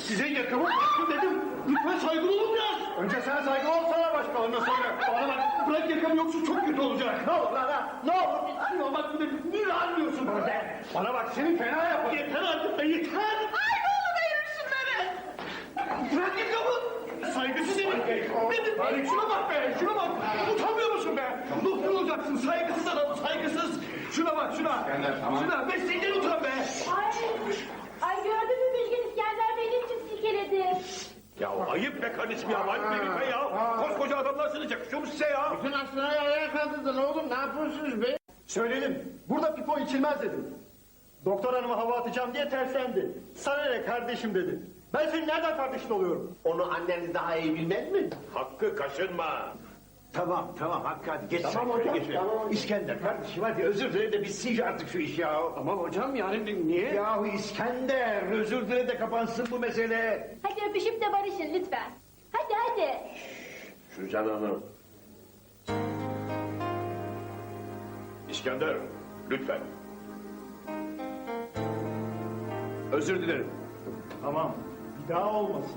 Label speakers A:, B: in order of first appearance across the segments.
A: Size yakamı bırakın dedim. Lütfen saygılı olun biraz. Önce sen saygılı ol, sonra başkalarına söyle. Bana bak, bırak yakamı yoksa çok kötü olacak. Ne olur lan, ne olur. Şuna bak bir de niye anlıyorsun bana be? Bana bak, seni fena yapar. Yeter artık be, yeter.
B: Ay ne olur ayırın şunları.
A: Bırak yakamı. Saygısız herif. Dedim, şuna bak be, şuna bak. Utanmıyor musun be? Doktor olacaksın, saygısız adam, saygısız. Şuna bak, şuna. İskender, tamam. Şuna, mesleğinden utan be.
C: Ay gördün mü Bilgin İskender Bey ne biçim silkeledi?
A: Ya ayıp be kardeşim ya, ayıp be lütfen ya. Koskoca adamlarsınız, yakışıyor mu size ya?
D: Bütün aslanayı ayağa kaldırdın oğlum, ne yapıyorsunuz be?
E: Söyledim, burada pipo içilmez dedim. Doktor hanıma hava atacağım diye terslendi. Sana ne kardeşim dedi. Ben senin nereden kardeşin oluyorum?
D: Onu anneniz daha iyi bilmez mi?
A: Hakkı kaşınma.
F: Tamam Hakkı hadi geç
E: Tamam
F: sen şöyle
E: hocam,
F: geç.
E: tamam.
F: İskender kardeşim hadi özür dile de bitsin artık şu iş ya.
A: Aman hocam yani niye?
F: Yahu İskender özür dile de kapansın bu mesele.
C: Hadi öpüşüp de barışın lütfen. Hadi.
D: Suzan Hanım.
A: İskender, lütfen.
F: Özür dilerim.
E: Tamam, bir daha olmasın.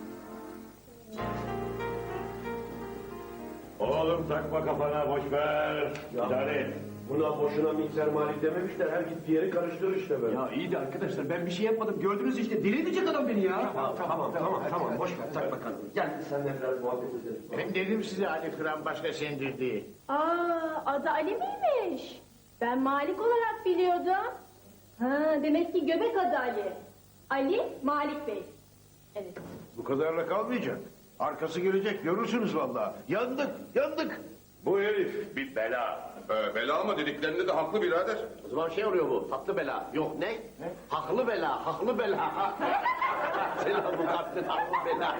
A: Oğlum takma kafana, boş ver. İdare et.
D: Buna boşuna mikser malik dememişler, her gittiği yeri karıştırır işte böyle.
F: Ya iyi de arkadaşlar ben bir şey yapmadım gördünüz işte deli edecek adam beni ya.
D: Tamam boş ver, tak bakalım. Gel seninle biraz muhabbet edelim. Ben dedim size Ali Kıran başka sendir diye.
C: Adı Ali miymiş? Ben Malik olarak biliyordum. Ha, demek ki göbek adı Ali. Ali Malik Bey. Evet.
F: Bu kadarla kalmayacak. Arkası gelecek görürsünüz vallahi. Yandık.
A: Bu herif bir bela.
G: Bela ama dediklerinde de haklı birader.
D: O zaman şey oluyor bu, haklı bela. Yok ne? Haklı bela. Selam bu kaptın, haklı bela.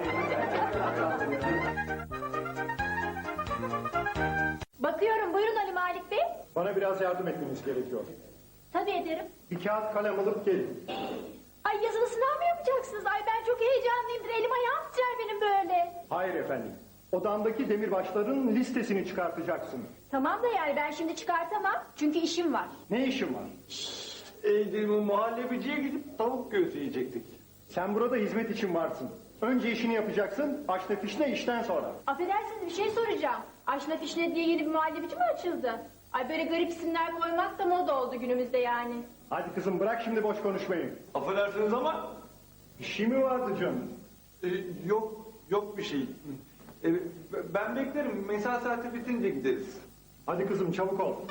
C: Bakıyorum buyurun Ali Malik Bey.
E: Bana biraz yardım etmeniz gerekiyor.
C: Tabii ederim.
E: Bir kağıt kalem alıp gelin.
C: Ay yazılı sınav mı yapacaksınız? Ay ben çok heyecanlıyımdır. Elim ayağım titrer benim böyle.
E: Hayır efendim. Odamdaki demirbaşların listesini çıkartacaksın.
C: Tamam da yani ben şimdi çıkartamam. Çünkü işim var.
E: Ne işin var?
A: Muhallebiciye gidip tavuk göğsü yiyecektik.
E: Sen burada hizmet için varsın. Önce işini yapacaksın, aşna fişne işten sonra.
C: Affedersiniz bir şey soracağım. Aşna fişne diye yeni bir muhallebici mi açıldı? Ay böyle garip isimler koymak da moda oldu günümüzde yani.
E: Hadi kızım bırak şimdi boş konuşmayı.
A: Affedersiniz ama
E: İşi mi vardı canım?
H: Yok bir şey. Ben beklerim. Mesai saati bitince gideriz.
E: Hadi kızım çabuk ol.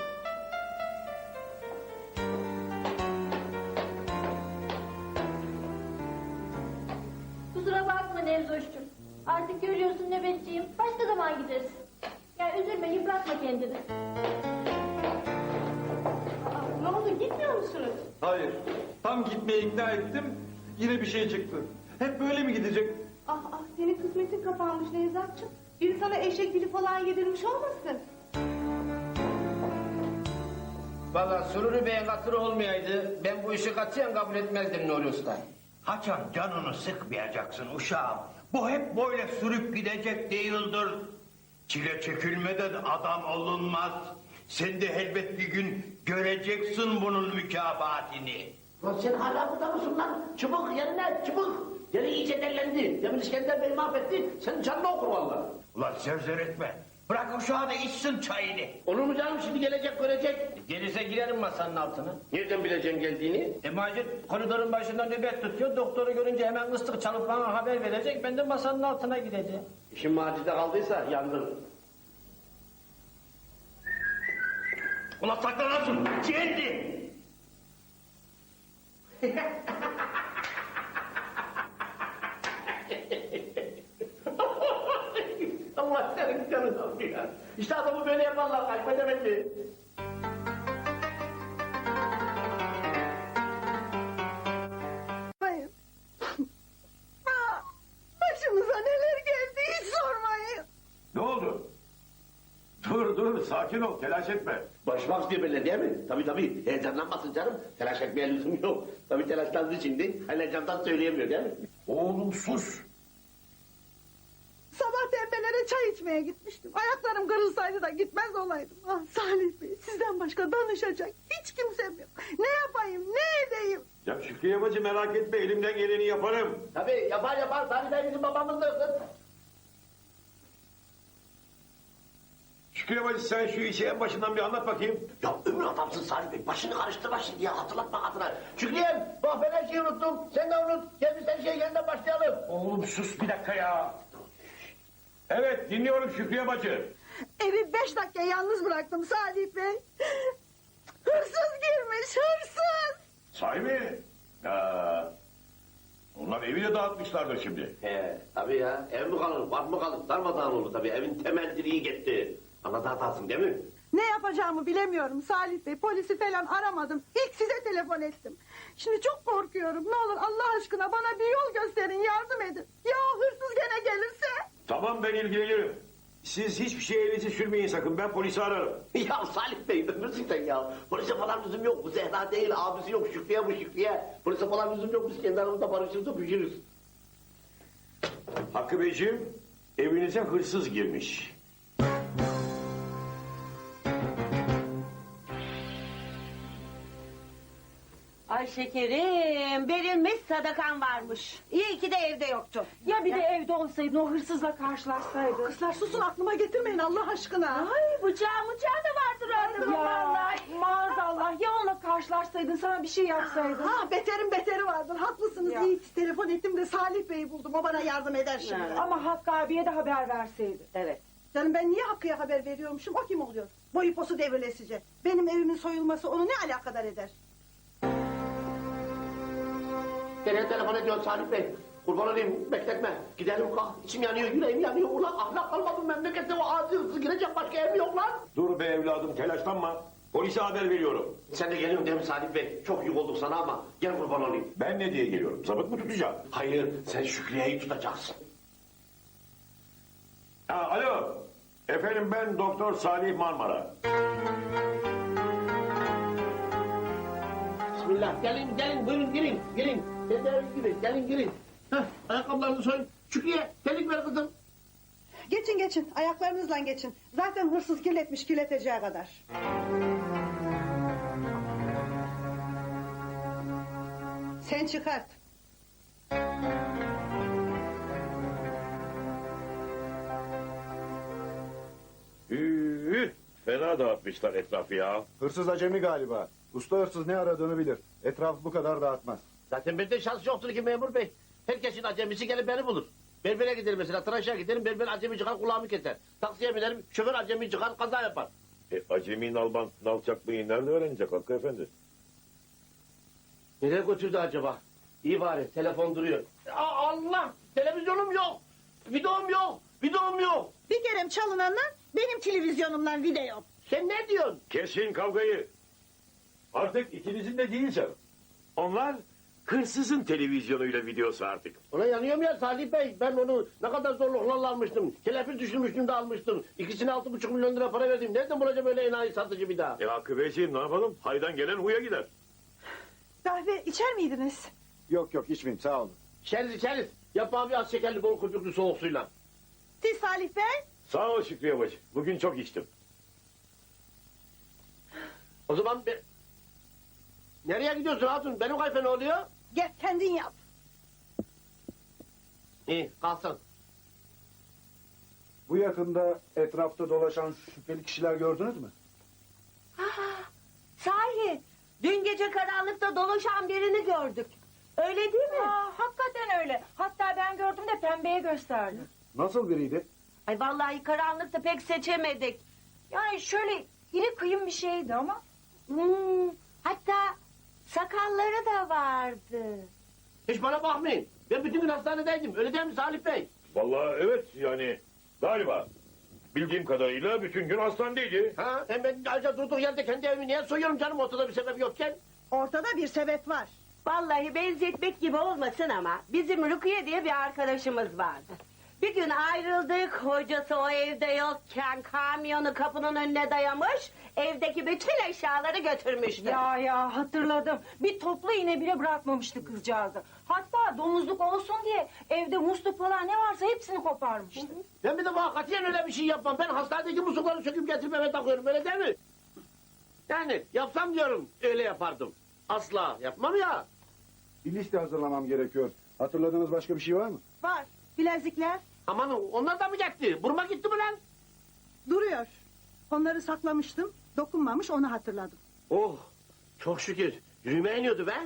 C: Kusura bakma Nevzoş'cum. Artık görüyorsun nöbetçiyim. Başka zaman gideriz. Ya üzülme yıpratma kendini. Ne oldu gitmiyor musunuz?
H: Hayır. Tam gitmeye ikna ettim. Yine bir şey çıktı. Hep böyle mi gidecek?
B: Ah senin kısmetin kapanmış Nevzatçım. Biri sana eşek dili falan yedirmiş olmasın?
D: Valla Sururi Bey'in hatırı olmayaydı, ben bu işi katiyen kabul etmezdim Nuri Usta.
F: Haçan canını sıkmayacaksın uşağım. Bu hep böyle sürüp gidecek değildir. Çile çekilmeden adam olunmaz. Sen de elbet bir gün göreceksin bunun mükafatini.
D: Lan sen hala burada mısın lan? Çabuk yerine çabuk. Yeri iyice dellendi. Demin İskender Bey mahvetti. Senin canını okur vallahi.
F: Ulan zevzer etme. Bırak uşağı da içsin çayını.
D: Olur mu canım şimdi gelecek görecek. Gelirse girerim masanın altına. Nereden bileceksin geldiğini? Macit koridorun başında nöbet tutuyor. Doktoru görünce hemen ıslık çalıp bana haber verecek. Ben de masanın altına gideceğim. İşin Macit'e kaldıysa yandın.
F: Ulan saklanansın. Geldi.
D: Allah senin canını alıyor ya. İşte adamı böyle yaparlar kaybedemedi.
B: Hayır. Başımıza neler geldi hiç sormayın.
A: ne oldu? Dur sakin ol, telaş etme.
D: Başmak diyor böyle değil mi? Tabii heyecanlanmasın canım. Telaş etmeye lüzum yok. Tabii telaşlandı şimdi. Hala camdan söyleyemiyor değil mi?
F: Oğlum sus.
B: Sabah tembel
I: Fener'e çay içmeye gitmiştim. Ayaklarım kırılsaydı da gitmez olaydım. Ah Salih Bey, sizden başka danışacak hiç kimsem yok. Ne yapayım, ne edeyim?
F: Ya Şükriye bacı merak etme elimden geleni yaparım.
D: Tabii yapar. Salih Bey bizim babamızdır.
F: Şükriye bacı sen şu işi en başından bir anlat bakayım.
D: Ya ömür adamsın Salih Bey. Başını karıştırma şimdi ya. Hatırlatma adına. Şükriyem bak ben her şeyi unuttum. Sen de unut. Gel biz her şeyi yeniden başlayalım.
F: Oğlum sus bir dakika ya. Evet dinliyorum Şükriye bacı.
I: Evi 5 dakika yalnız bıraktım Salih Bey. Hırsız girmiş, hırsız.
F: Sahi mi? Ya, onlar evi de dağıtmışlardır şimdi.
D: Tabii ya. Ev mi kalır, var mı kalır? Darmadağın oldu tabii. Evin temel direği gitti. Anlatarsın değil mi?
I: Ne yapacağımı bilemiyorum Salih Bey. Polisi falan aramadım. İlk size telefon ettim. Şimdi çok korkuyorum. Ne olur Allah aşkına bana bir yol gösterin, yardım edin. Ya hırsız gene gelirse?
F: Tamam ben ilgilenirim. Siz hiçbir şeye elinizi sürmeyin sakın. Ben polisi ararım.
D: Ya Salih Bey ömürsün sen ya. Polise falan lüzum yok. Bu Zehra değil, abisi yok. Şükriye bu Şükriye. Polise falan lüzum yok. Biz kendi aramızda barışırız, öpüşürüz.
F: Hakkı Beyciğim evinize hırsız girmiş.
J: Ay şekerim, verilmiş sadakan varmış. İyi ki de evde yoktu.
C: Ya bir de evde olsaydın o hırsızla karşılaşsaydın.
I: Kızlar susun, aklıma getirmeyin Allah aşkına.
C: Ay bıçağı da vardır orada. Ya maazallah ya onunla karşılaşsaydın sana bir şey yapsaydın.
I: Ha beteri vardır, haklısınız.
C: Ya.
I: İyi ki telefon ettim de Salih Bey'i buldum. O bana yardım eder şimdi.
J: Evet.
C: Ama Hakkı abiye de haber verseydin.
J: Evet.
I: Canım ben niye Hakkı'ya haber veriyormuşum? O kim oluyor? Boyu posu devrilesice. Benim evimin soyulması onu ne alakadar eder?
D: Nereye telefon ediyorsun Salih Bey? Kurban olayım bekletme. Gidelim kalk. İçim yanıyor, yüreğim yanıyor. Ulan ahlak kalmadı memlekette o adi hırsız girecek başka ev yok lan.
F: Dur be evladım telaşlanma. Polise haber veriyorum.
D: Sen de geliyorsun değil mi Salih Bey? Çok yük olduk sana ama gel kurban olayım.
F: Ben ne diye geliyorum? Zabıt mı tutacağım?
D: Hayır sen Şükriye'yi tutacaksın.
F: Ha, alo. Efendim ben Doktor Salih Marmara.
D: Bismillah gelin buyurun girin. Sen de girin. Heh, ayakkabılarını soyun. Şükriye telik ver kızım.
I: Geçin ayaklarınızla geçin. Zaten hırsız kirletmiş kirleteceği kadar. Sen çıkart.
F: Fena dağıtmışlar etrafı ya.
E: Hırsız acemi galiba. Usta hırsız ne aradığını bilir. Etrafı bu kadar dağıtmaz.
D: Zaten bende şans yoktur ki memur bey. Herkesin acemisi gelip beni bulur. Berbere giderim mesela, tıraşa giderim, berber acemi çıkar kulağımı keser. Taksiye binerim, şoför acemi çıkar kaza yapar.
F: Acemi nalçaklığı nerede öğrenecek Hakkı Efendi?
D: Nereye götürdü acaba? İyi bari, telefon duruyor. Allah! Televizyonum yok! Videom yok!
I: Bir kere çalınanlar benim televizyonumdan video.
D: Sen ne diyorsun?
F: Kesin kavgayı. Artık ikinizin de değilse. Onlar hırsızın televizyonuyla videosu artık.
D: Ona yanıyorum ya Salih Bey. Ben onu ne kadar zorluklarla almıştım. Kelepir düşürmüştüm de almıştım. İkisine 6,5 milyon lira para verdim. Nereden bulacağım öyle enayi satıcı bir daha?
F: Hakkı Beyciğim ne yapalım? Haydan gelen huya gider.
I: Kahve içer miydiniz?
E: Yok içmeyeyim sağ olun.
D: İçeriz. Yap abi az şekerli bol köpüklü soğuk suyla.
I: Siz Salih Bey?
F: Sağ ol Şükriye bacı. Bugün çok içtim.
D: O zaman nereye gidiyorsun hatun? Benim kayfa ne oluyor?
I: Gel kendin yap.
D: İyi kalsın.
E: Bu yakında etrafta dolaşan şüpheli kişiler gördünüz mü?
J: Sahi, dün gece karanlıkta dolaşan birini gördük. Öyle değil mi?
C: Hakikaten öyle. Hatta ben gördüm de pembeye gösterdim.
E: Nasıl biriydi?
J: Ay vallahi karanlıkta pek seçemedik.
C: Yani şöyle iri kıyım bir şeydi ama.
J: Hatta sakalları da vardı.
D: Hiç bana bakmayın. Ben bütün gün hastanedeydim. Öyle değil mi Salih Bey?
F: Vallahi evet yani galiba. Bildiğim kadarıyla bütün gün hastanedeydi.
D: Ha? Hem ben ayrıca durduk yerde kendi evimi niye soyuyorum canım ortada bir sebep yokken?
I: Ortada bir sebep var.
J: Vallahi benzetmek gibi olmasın ama bizim Rukiye diye bir arkadaşımız vardı. Bir gün ayrıldık, hocası o evde yokken kamyonu kapının önüne dayamış, evdeki bütün eşyaları götürmüştü.
K: Ya hatırladım. Bir toplu iğne bile bırakmamıştı kızcağızı. Hatta domuzluk olsun diye evde musluk falan ne varsa hepsini koparmıştı.
D: Ben bir de bana katiyen öyle bir şey yapmam. Ben hastanedeki muslukları söküp getirip eve takıyorum, öyle değil mi? Yani yapsam diyorum, öyle yapardım. Asla yapmam ya.
A: Bir liste hazırlamam gerekiyor. Hatırladığınız başka bir şey var mı?
I: Var. Bilezikler
D: Aman onlar da mı gitti? Burma gitti mi lan?
I: duruyor. Onları saklamıştım. Dokunmamış, onu hatırladım.
D: Oh, çok şükür. Yürüme iniyordu be.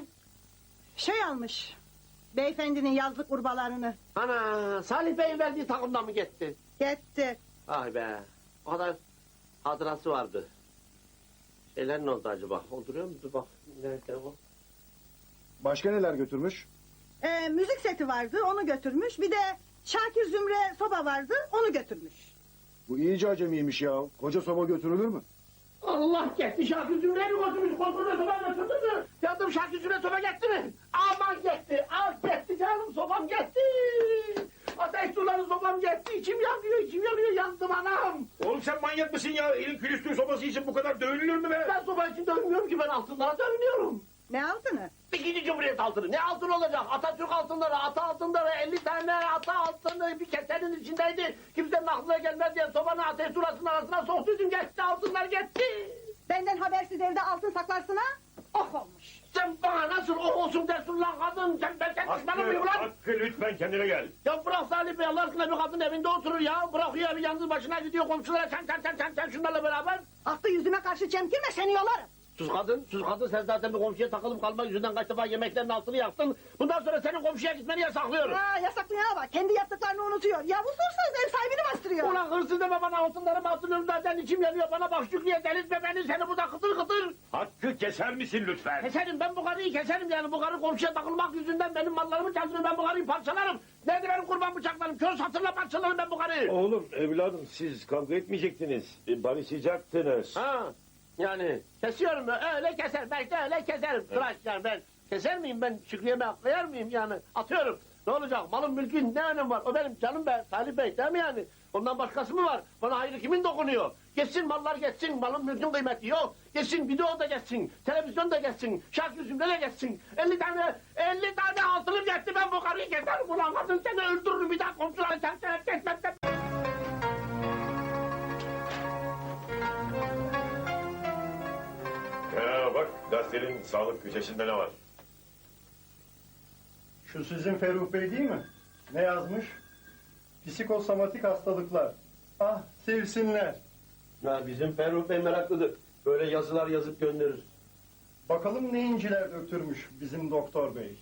I: Şey almış. Beyefendinin yazlık urbalarını.
D: Ana, Salih Bey'in verdiği takımdan mı gitti?
I: Gitti.
D: Ay be, o kadar hatırası vardı. Şeyler ne oldu acaba? O duruyor mu? Dur bak, nerede o?
A: Başka neler götürmüş?
I: Müzik seti vardı, onu götürmüş. Bir de Şakir Zümre soba vardı, onu götürmüş.
A: Bu iyice acemiymiş ya. Koca soba götürülür mü?
D: Allah gitti, Şakir Zümre'yi mi götürmüş? Kontrolü soba götürdü mü? Yandım, Şakir Zümre soba gitti mi? Aman gitti, al gitti canım, sobam gitti. Ateş suları sobam gitti, içim yanıyor, yandım anam.
G: Oğlum sen manyak mısın ya? Elin külüstür sobası için bu kadar dövülür mü be?
D: Ben soba için dövmüyorum ki, ben altınlara dövünüyorum.
I: Ne altını?
D: İkinci Cumhuriyet altını. Ne altın olacak? Atatürk altınları, ata altınları, 50 tane ata altını bir kesenin içindeydi. Kimsenin aklına gelmez diye sobanın ateş surasının arasına soktuydum, geçti, altınlar gitti.
I: Benden habersiz evde altın saklarsın ha? Oh olmuş.
D: Sen bana nasıl o olsun dersin lan kadın? Sen düşmanım mıyım lan?
G: Hakkı lütfen kendine gel.
D: Ya bırak Salih Bey, Allah aşkına bir kadın evinde oturur ya. Bırakıyor evi, yalnız başına gidiyor komşulara sen şunlarla beraber.
I: Aklı yüzüme karşı çemkirme, seni yolarım.
D: Sus kadın sen zaten bir komşuya takılıp kalmak yüzünden kaç defa yemeklerin altını yaktın. Bundan sonra senin komşuya gitmeni yasaklıyorum.
I: Ha, yasaklayana bak, kendi yaptıklarını unutuyor. Ya bu sorsuz ev sahibini bastırıyor.
D: Ulan hırsız deme bana, altınlarımı hatırlıyorum zaten, içim yanıyor. Bana bak Şükrü'ye, delirtme beni, seni burada kıtır kıtır.
G: Hakkı keser misin lütfen?
D: Keserim, ben bu karıyı keserim yani. Bu karı komşuya takılmak yüzünden benim mallarımı çaldırıyor, ben bu karıyı parçalarım. Nerede benim kurban bıçaklarım? Kör satırla parçalarım ben bu karıyı.
G: Oğlum evladım siz kavga etmeyecektiniz. Barışacaktınız.
D: Ha, yani kesiyorum, öyle keser, belki de öyle keserim. Tıraş yani, ben keser miyim, ben Şükrü'ye koyar mıyım yani, atıyorum. Ne olacak, malın mülkün ne önemi var, o benim canım be Salih Bey, değil mi yani? Ondan başkası mı var, bana hayrı kimin dokunuyor? Geçsin mallar geçsin, malın mülkün kıymeti yok. Geçsin, video da geçsin, televizyon da geçsin, şarkı zümre de geçsin. 50 tane altınım geçti, ben bu karıyı keserim ulan, kadın seni öldürürüm, bir daha komşuları kesmem.
G: Ya bak gazetenin sağlık köşesinde ne var?
E: Şu sizin Ferruh Bey değil mi? Ne yazmış? Psikosomatik hastalıklar. Ah sevsinler.
A: Ya bizim Ferruh Bey meraklıdır. Böyle yazılar yazıp gönderir.
E: Bakalım ne inciler döktürmüş bizim doktor bey.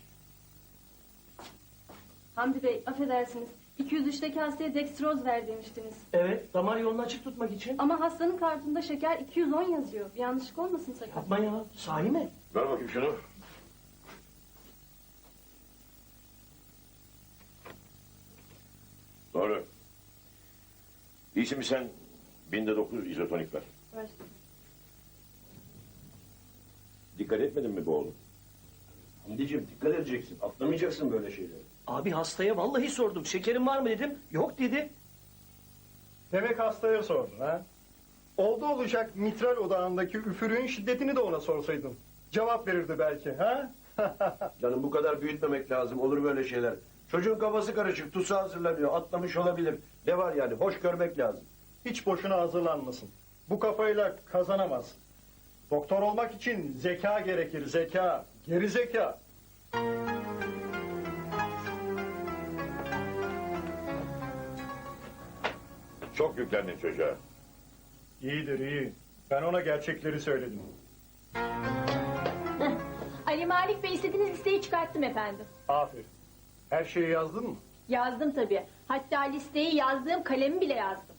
C: Hamdi Bey, affedersiniz. 203'teki hastaya dekstroz ver demiştiniz.
D: Evet, damar yolunu açık tutmak için.
C: Ama hastanın kartında şeker 210 yazıyor. Bir yanlışlık olmasın sakın.
D: Yapma ya, sahi mi?
G: Ver bakayım şunu. Doğru. İyisin mi sen? Binde 9 izotonik ver.
C: Ver.
G: Dikkat etmedin mi bu oğlum?
A: Hamdiciğim dikkat edeceksin. Atlamayacaksın böyle şeyleri.
D: Abi hastaya vallahi sordum, şekerin var mı dedim, yok dedi.
E: Demek hastaya sordun ha? Oldu olacak mitral odağındaki üfürüğün şiddetini de ona sorsaydın. Cevap verirdi belki ha?
A: Canım bu kadar büyütmemek lazım. Olur böyle şeyler. Çocuğun kafası karışık. Tusu hazırlanıyor. Atlamış olabilir. Ne var yani? Hoş görmek lazım.
E: Hiç boşuna hazırlanmasın. Bu kafayla kazanamaz. Doktor olmak için zeka gerekir. Zeka. Geri zeka.
G: Çok yüklendin çocuğa.
E: İyidir iyi. Ben ona gerçekleri söyledim.
C: Ali Malik Bey, istediğiniz listeyi çıkarttım efendim.
E: Aferin. Her şeyi yazdın mı?
C: Yazdım tabii. Hatta listeyi yazdığım kalemi bile yazdım.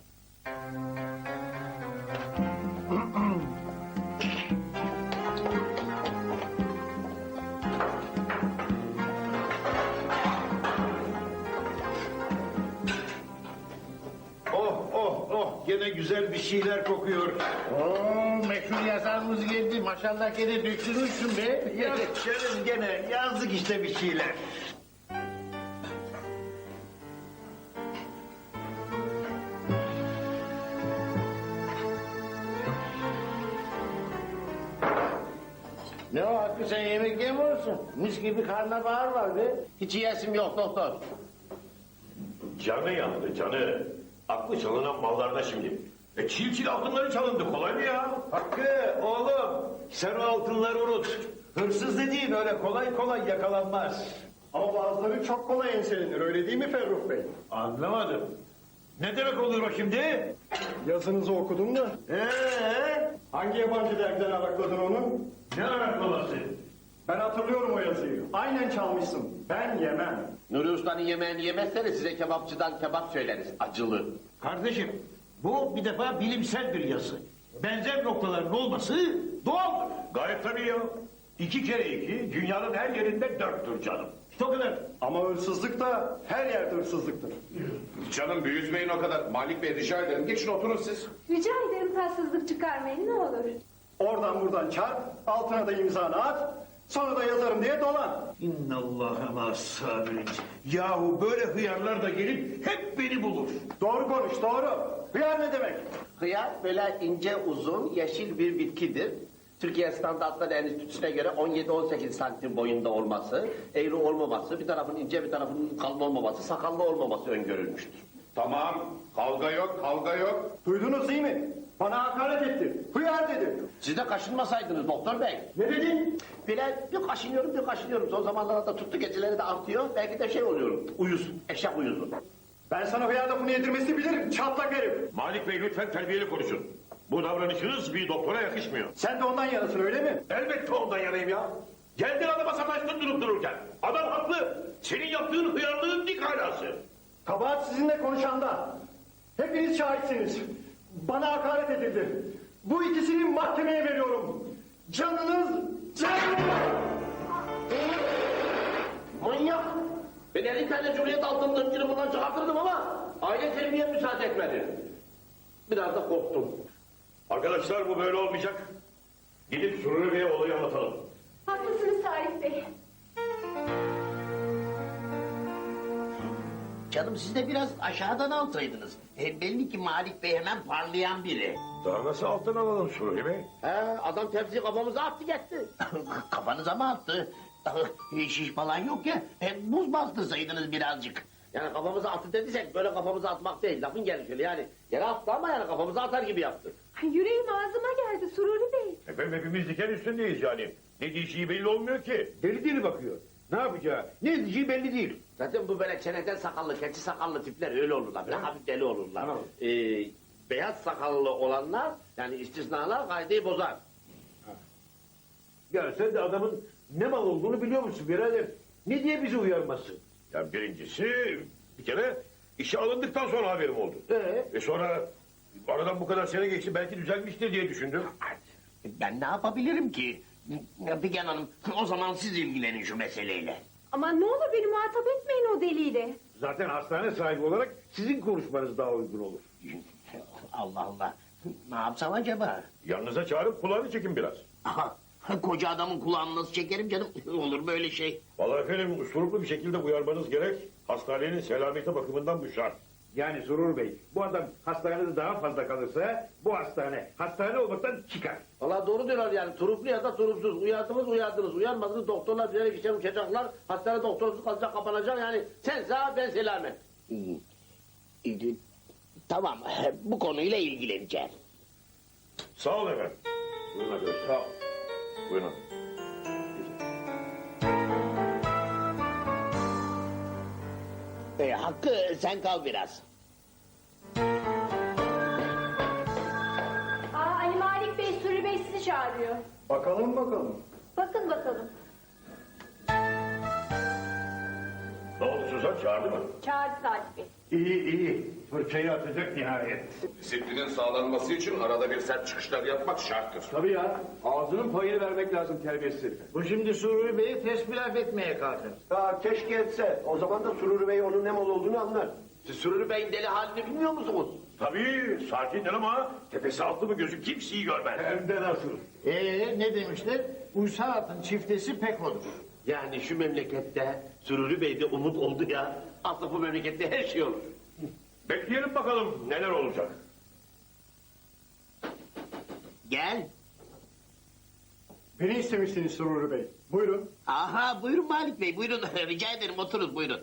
F: Oh gene güzel bir şeyler kokuyor.
D: Oo, meşhur yazarımız geldi, maşallah gene dökülmüşsün be.
F: Yok canım gene yazdık işte bir şeyler.
D: Ne o Hakkı, sen yemek yemiyorsun? Mis gibi karnabahar var be. Hiç yiyesim yok doktor.
G: Canı yandı canı. Aklı çalınan mallarda şimdi. Çil altınları çalındı, kolay mı ya?
F: Hakkı oğlum sen o altınları unut. Hırsız dediğin öyle kolay kolay yakalanmaz.
E: Ama bazıları çok kolay enselenir, öyle değil mi Ferruh Bey?
F: Anlamadım. Ne demek oluyor o şimdi?
E: Yazınızı okudum da. Hangi yabancı dergiden arakladın onu?
F: Ne araklaması?
E: Ben hatırlıyorum o yazıyı. Aynen çalmışsın. Ben yemem.
D: Nuri Usta'nın yemeğini yemezseniz size kebapçıdan kebap söyleriz. Acılı.
F: Kardeşim bu bir defa bilimsel bir yazı. Benzer noktaların olması doğaldır.
G: Gayet tabii ya. 2 kere 2 dünyanın her yerinde 4'tür canım.
F: İşte o kadar.
E: Ama hırsızlık da her yerde hırsızlıktır.
A: Canım büyütmeyin o kadar. Malik Bey rica ederim. Geçin oturun siz.
B: Rica ederim tatsızlık çıkarmayın ne olur.
E: Oradan buradan çarp, altına da imzanı at, sonra da yazarım diye dolan.
F: İnnallâhe mâs-sabirin. Yahu böyle hıyarlar da gelip hep beni bulur.
E: Doğru konuş, doğru. Hıyar ne demek?
D: Hıyar böyle ince uzun yeşil bir bitkidir. Türkiye Standartları Enstitüsü'ne göre 17-18 santim boyunda olması, eğri olmaması, bir tarafın ince bir tarafın kalın olmaması, sakallı olmaması öngörülmüştür.
A: Tamam. Kavga yok, kavga yok.
E: Duydunuz değil mi? Bana hakaret etti. Hıyar dedi.
D: Siz de kaşınmasaydınız doktor bey.
E: Ne dedin?
D: Bile bir kaşınıyorum. Son zamanlarda tuttu geceleri de artıyor. Belki de şey oluyorum, uyuz, eşek uyuzu.
E: Ben sana hıyar lafını yedirmesi bilirim, çatlak herif.
G: Malik Bey lütfen terbiyeli konuşun. Bu davranışınız bir doktora yakışmıyor.
E: Sen de ondan yanasın öyle mi?
G: Elbette ondan yanayım ya. Geldin adama sataştın durup dururken. Adam haklı. Senin yaptığın hıyarlığın dik alası.
E: Kabahat sizinle konuşanda. Hepiniz şahitsiniz. Bana hakaret edildi. Bu ikisini mahkemeye veriyorum. Canınız canım.
D: Manyak! Ben 50 tane Cumhuriyet altın ırkçını bundan çıkartırdım ama aile terbiye müsaade etmedi. Biraz da korktum.
G: Arkadaşlar bu böyle olmayacak. Gidip Sururi Bey'e olayı anlatalım.
C: Haklısınız Salih Bey.
D: Canım siz de biraz aşağıdan alsaydınız. Belli ki Malik Bey hemen parlayan biri.
G: Daha nasıl alttan alalım Sururi Bey?
D: He, adam tepsiyi kafamıza attı gitti. Kafanıza mı attı? Şiş falan yok ya. Buz bastırsaydınız birazcık. Yani kafamıza attı dediysek böyle kafamıza atmak değil. Lafın gelişiyle yani. Yere attı ama yani kafamıza atar gibi yaptı.
B: Yüreğim ağzıma geldi Sururi Bey.
G: Efendim hepimiz diken üstündeyiz yani. Ne diyeceği belli olmuyor ki.
F: Deli deli bakıyor. Ne yapacağı, ne diyeceği belli değil.
D: Zaten bu böyle çeneden sakallı, keçi sakallı tipler öyle olurlar. Böyle hafif deli olurlar.
F: Tamam.
D: Beyaz sakallı olanlar yani istisnalar kaideyi bozar.
F: Ya sen de adamın ne mal olduğunu biliyor musun birader? Ne diye bizi uyarmasın?
G: Ya birincisi bir kere işe alındıktan sonra haberim oldu. Sonra aradan bu kadar sene geçti belki düzelmiştir diye düşündüm.
D: Ben ne yapabilirim ki? Figen Hanım o zaman siz ilgilenin şu meseleyle.
C: Ama ne olur beni muhatap etmeyin o deliyle.
F: Zaten hastane sahibi olarak sizin konuşmanız daha uygun olur.
D: Allah Allah. Ne yapsam acaba?
G: Yanınıza çağırıp kulağını çekin biraz.
D: Aha, koca adamın kulağını nasıl çekerim canım? Olur böyle şey.
G: Vallahi efendim usturuplu bir şekilde uyarmanız gerek. Hastanenin selameti bakımından bu şart.
F: Yani Surur Bey, bu adam hastanede daha fazla kalırsa bu hastane olmaktan çıkar.
D: Valla doğru diyorlar yani. Turuplu ya da turupsuz. Uyardınız. Uyarmadınız. Doktorlar bilerek işe uçacaklar. Hastane doktorsuz kalacak, kapanacak. Yani sen sağ, ben selamet. Tamam. Bu konuyla ilgileneceğim.
G: Sağ olun efendim. Buyurun arkadaşlar. Sağ ol. Buyurun.
D: Hakkı sen kal biraz.
C: Ali Malik Bey, Suri Bey sizi çağırıyor.
E: Bakalım bakalım.
C: Bakın bakalım.
G: Ne oldu Suzan, çağırdı mı?
C: Çağırdı Salih Bey.
F: İyi. Fırçayı atacak nihayet.
A: Disiplinin sağlanması için arada bir sert çıkışlar yapmak şarttır.
H: Tabii ya. Ağzının payını vermek lazım terbiyesiz herife.
F: Bu şimdi Sururi Bey'i tesbih etmeye kalkar.
E: Ya keşke etse. O zaman da Sururi Bey onun ne mal olduğunu anlar.
D: Siz Sürürü Bey'in deli halini bilmiyor musunuz?
G: Tabii sakindir ama tepesi altı mı gözü kimseyi görmez.
F: Hem de nasıl?
D: Ne demişler? Uysal atın çiftesi pek olur. Yani şu memlekette Sürürü Bey'de umut oldu ya. Aslında bu memlekette her şey olur.
G: Bekleyelim bakalım neler olacak.
D: Gel.
E: Beni istemişsiniz Sururi Bey. Buyurun.
D: Aha buyurun Malik Bey buyurun rica ederim oturun buyurun.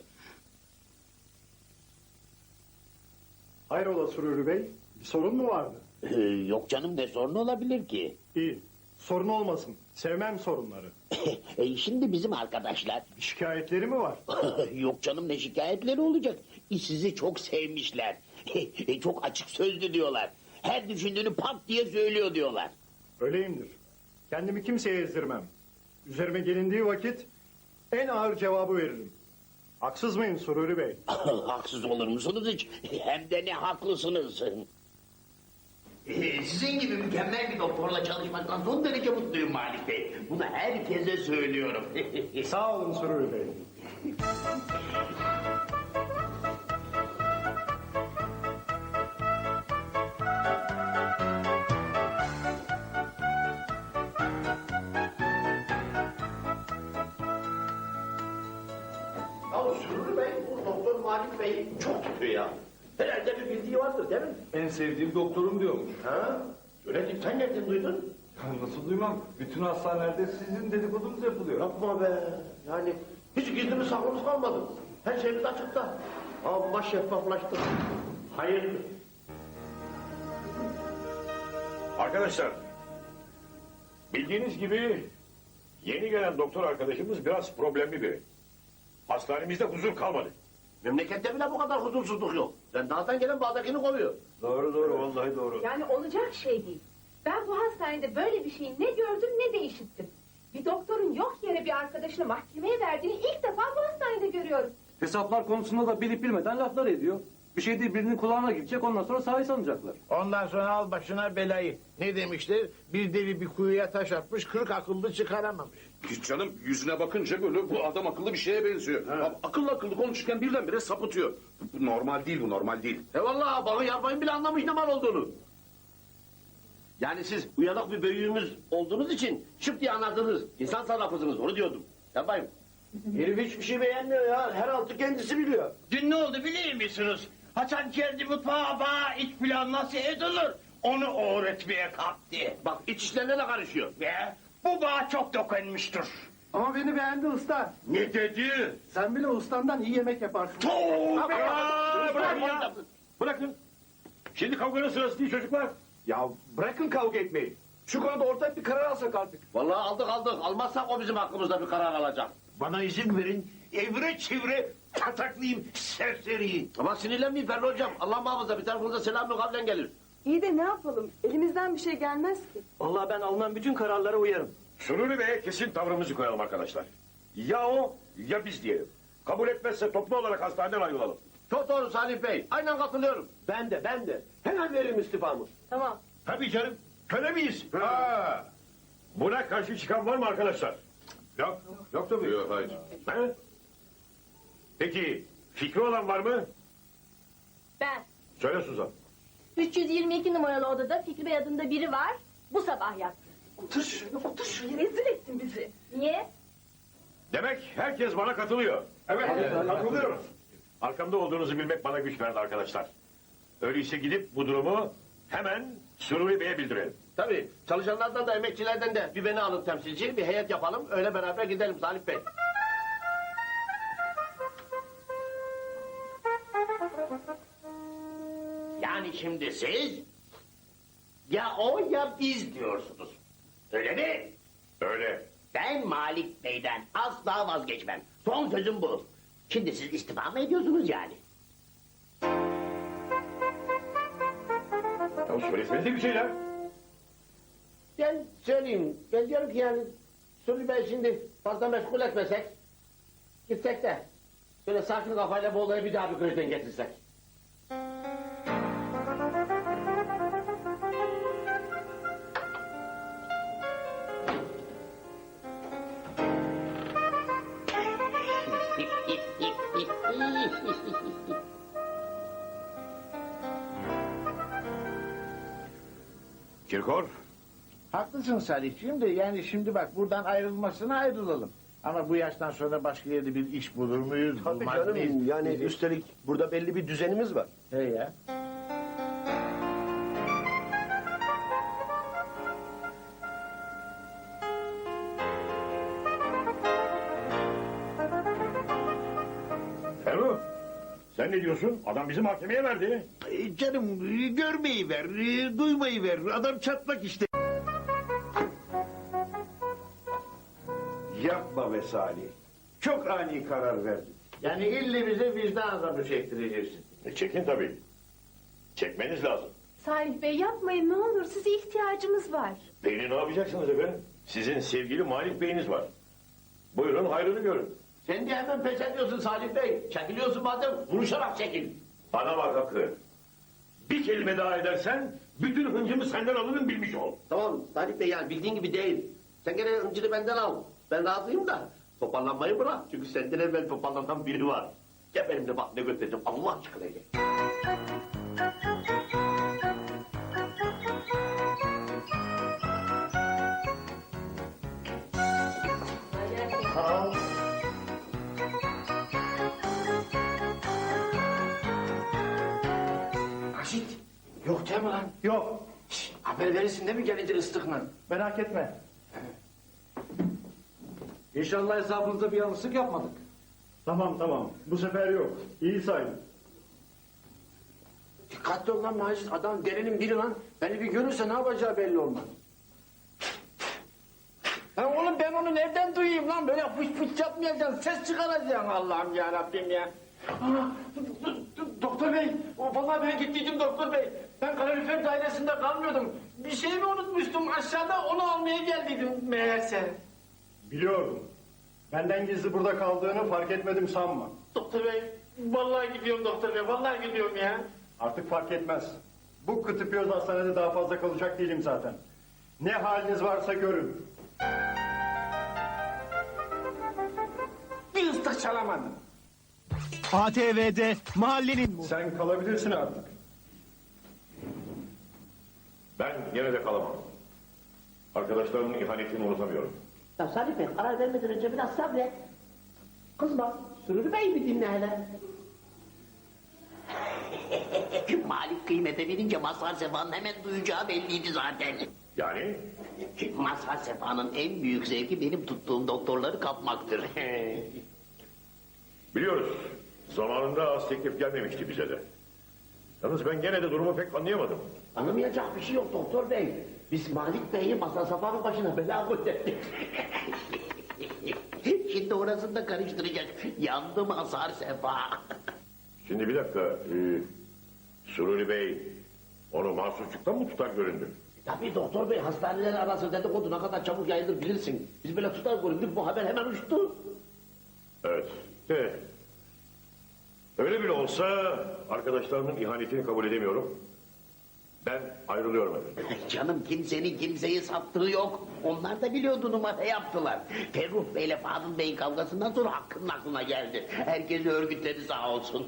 E: Hayrola Sururi Bey? Bir sorun mu vardı?
D: Yok canım ne sorun olabilir ki?
E: İyi. Sorun olmasın. Sevmem sorunları.
D: Şimdi bizim arkadaşlar
E: Şikayetleri mi var?
D: yok canım ne şikayetleri olacak? Sizi çok sevmişler. Çok açık sözlü diyorlar. Her düşündüğünü pat diye söylüyor diyorlar.
E: Öyleyimdir. Kendimi kimseye ezdirmem. Üzerime gelindiği vakit en ağır cevabı veririm. Haksız mıyım Sururi Bey?
D: Haksız olur musunuz hiç? Hem de ne haklısınız. Sizin gibi mükemmel bir doktorla çalışmaktan son derece mutluyum Malik Bey. Bunu herkese söylüyorum.
E: Sağ olun Sururi Bey.
D: Ya Sürür Bey, bu doktor Malik Bey çok tutuyor ya. Herhalde bir bildiği vardır değil mi?
H: En sevdiğim doktorum diyormuş.
D: Ha? Öyle değil, sen nereden duydun?
H: Ya nasıl duymam? Bütün hastanelerde sizin dedikodunuz yapılıyor.
D: Yapma be. Yani hiç gizlimiz saklımız kalmadı. Her şeyimiz açıkta. Amma şeffaflaştı. Hayırdır?
G: Arkadaşlar, bildiğiniz gibi yeni gelen doktor arkadaşımız biraz problemli biri. Hastanemizde huzur kalmadı.
D: Memlekette bile bu kadar huzursuzluk yok. Sen dağdan gelen bağdakini kovuyor.
G: Doğru doğru, vallahi doğru.
B: Yani olacak şey değil. Ben bu hastanede böyle bir şeyi ne gördüm ne de işittim. Bir doktorun yok yere bir arkadaşını mahkemeye verdiğini ilk defa bu hastanede görüyorum.
H: Hesaplar konusunda da bilip bilmeden laflar ediyor. Bir şey değil birinin kulağına gidecek ondan sonra sahi sanacaklar.
L: Ondan sonra al başına belayı. Ne demişler? Bir deli bir kuyuya taş atmış, 40 akıllı çıkaramamış.
G: Hiç canım, yüzüne bakınca böyle bu adam akıllı bir şeye benziyor. Akıllı akıllı konuşurken birdenbire sapıtıyor. Bu normal değil, bu normal değil.
D: Vallahi bağı yarmayın bile anlamış ne mal olduğunu. Yani siz uyanık bir büyüğümüz olduğunuz için şıp diye anladınız. İnsan sarrafısınız onu diyordum. Yapmayın.
A: Herif hiçbir şey beğenmiyor ya. Her altı kendisi biliyor.
F: Dün ne oldu biliyor musunuz? Hasan geldi mutfağa bana iç pilav nasıl edilir? Onu öğretmeye kalktı.
D: Bak iç işlerine de karışıyor.
F: Ve bu bana çok dokunmuştur.
A: Ama beni beğendi usta.
F: Ne dedi?
A: Sen bile ustandan iyi yemek yaparsın.
F: Tövbe ya!
G: Bırakın ya! Bırakın! Şimdi kavganın sırası değil çocuklar.
A: Ya bırakın kavga etmeyi. Şu konuda ortak bir karar alsak artık.
D: Vallahi aldık. Almazsak o bizim hakkımızda bir karar alacak.
F: Bana izin verin. Evre çevre pataklayayım serseriyi.
D: Ama sinirlenmeyin Ferdi hocam. Allah muhafaza bir tarafınıza selamlı kavlen gelir.
I: İyi de ne yapalım? Elimizden bir şey gelmez ki.
E: Vallahi ben alınan bütün kararlara uyarım.
G: Sururi Bey'e kesin tavrımızı koyalım arkadaşlar. Ya o ya biz diyelim. Kabul etmezse toplu olarak hastaneden ayrılalım.
D: Çok doğru Salih Bey. Aynen katılıyorum.
A: Ben de. Hemen veririm istifamı.
I: Tamam.
G: Tabii canım. Köle miyiz? Ha. Buna karşı çıkan var mı arkadaşlar? Yok. Yok tabii. Yok hayır. Ha? Peki fikri olan var mı?
C: Ben.
G: Söyle Suzan.
C: 322 numaralı odada Fikri Bey adında biri var. Bu sabah yattı.
I: Otur şuraya rezil ettin bizi.
C: Niye?
G: Demek herkes bana katılıyor. Evet, katılıyorum. Arkamda olduğunuzu bilmek bana güç verdi arkadaşlar. Öyleyse gidip bu durumu hemen Sururi Bey'e bildirelim.
D: Tabii çalışanlardan da emekçilerden de bir beni alın temsilci. Bir heyet yapalım. Öyle beraber gidelim Salih Bey. Yani şimdi siz ya o ya biz diyorsunuz. Öyle mi?
G: Öyle.
D: Ben Malik Bey'den asla vazgeçmem. Son sözüm bu. Şimdi siz istifa mı ediyorsunuz yani?
G: Ya söylesenize bir şeyler.
D: Ben söyleyeyim. Ben diyorum ki yani Sürü Bey şimdi fazla meşgul etmesek gitsek de böyle sakin kafayla bu olayı bir daha bir gözden geçirsek.
G: Kirkor.
L: Haklısın Salihciğim de yani şimdi bak buradan ayrılmasına ayrılalım. Ama bu yaştan sonra başka yerde bir iş bulur muyuz?
A: Tabii
L: bulmaz
A: canım
L: mıyız?
A: yani üstelik burada belli bir düzenimiz var.
L: He ya.
G: Ferruh, sen ne diyorsun? Adam bizi mahkemeye verdi.
L: Canım görmeyi ver, duymayı ver. Adam çatlak işte.
F: Yapma be Salih. Çok ani karar verdin.
L: Yani ille bize vicdan azabı çektireceksin.
G: Çekin tabii. Çekmeniz lazım.
B: Salih Bey yapmayın ne olur size ihtiyacımız var.
G: Beyni ne yapacaksınız efendim? Sizin sevgili Malik Bey'iniz var. Buyurun hayrını görün.
L: Sen de hemen pes ediyorsun Salih Bey. Çekiliyorsun madem, vuruşarak çekil.
G: Bana bak Hakkı. Bir kelime daha edersen bütün hıncımı senden alırım bilmiş ol.
L: Tamam Salih Bey, yani bildiğin gibi değil. Sen gene hıncını benden al. Ben razıyım da toparlanmayı bırak. Çünkü senden evvel toparlanan biri var. Gel benimle bak ne göstereceğim Allah aşkına gel.
D: Raşit, yok değil mi lan?
E: Yok,
D: Haber verirsin değil mi gelince ıslıkla?
E: merak etme.
H: İnşallah hesabınızda bir yanlışlık yapmadık.
E: Tamam. Bu sefer yok. İyi sayın.
D: Dikkatli ol lan Macit, adam delinin biri lan. Beni bir görürse ne yapacağı belli olmaz. Lan oğlum ben onu nereden duyayım lan? Böyle fıç fıç yapmayacaksın, ses çıkaracaksın Allah'ım ya Rabbim ya. Doktor bey, vallahi ben gittiydim doktor bey. Ben kalorifer dairesinde kalmıyordum. Bir şey mi unutmuştum aşağıda, onu almaya geldiydim meğerse.
E: Biliyorum. Benden gizli burada kaldığını fark etmedim sanma.
D: Doktor bey, vallahi gidiyorum doktor bey, vallahi gidiyorum ya.
E: Artık fark etmez. Bu kıtıpıyoruz hastanede daha fazla kalacak değilim zaten. Ne haliniz varsa görün.
D: Bir ıslık çalamadım.
A: ATV'de mahallenin...
E: Sen kalabilirsin artık.
G: Ben yine de kalamam. Arkadaşlarımın ihanetini unutamıyorum.
L: Ya Salih Bey, karar vermeden önce biraz sabret. Kızma, Sürürü Bey mi dinle hele? Malik kıymete binince Mazhar Sefa'nın hemen duyacağı belliydi zaten.
G: Yani
L: Mazhar Sefa'nın en büyük zevki benim tuttuğum doktorları kapmaktır.
G: biliyoruz. Zamanında az teklif gelmemişti bize de. Yalnız ben gene de durumu pek anlayamadım.
L: Anlamayacak bir şey yok doktor bey. Biz Malik Bey'i Mazhar Sefa'nın başına bela koyduk. Şimdi orasını da karıştıracak. Yandı Mazhar Sefa.
G: Şimdi bir dakika. Sururi Bey onu mahsusçuktan mı tutar göründü?
L: Tabii doktor bey, hastaneler arası dedikodu ne kadar çabuk yayılır bilirsin. Biz böyle tutar göründük, bu haber hemen uçtu.
G: Evet. Öyle bile olsa arkadaşlarımın ihanetini kabul edemiyorum. Ben ayrılıyorum efendim.
L: Canım, kimsenin kimseyi sattığı yok. Onlar da biliyordu, numara yaptılar. Ferruh Bey'le Fadıl Bey'in kavgasından sonra Hakkı'nın aklına geldi. Herkesi örgütledi sağ olsun.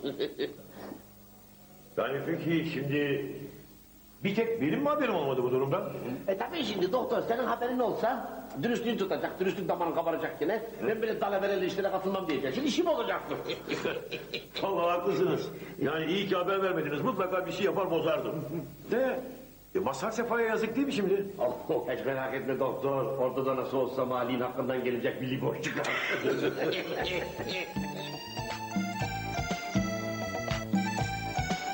G: Yani peki şimdi bir tek benim mi haberim olmadı bu durumdan?
L: Tabii şimdi doktor, senin haberin olsa dürüstlüğün tutacak, dürüstlük damarın kabaracak yine. Ben böyle dalavereli işlere katılmam diyecek. Şimdi işim olacaktı.
G: Vallahi haklısınız. Yani iyi ki haber vermediniz. Mutlaka bir şey yapar bozardım. De Mazhar Sefa'ya yazık değil mi şimdi?
L: Oh, hiç merak etme doktor. Orada da nasıl olsa Mali'nin hakkından gelecek bir liboş çıkar.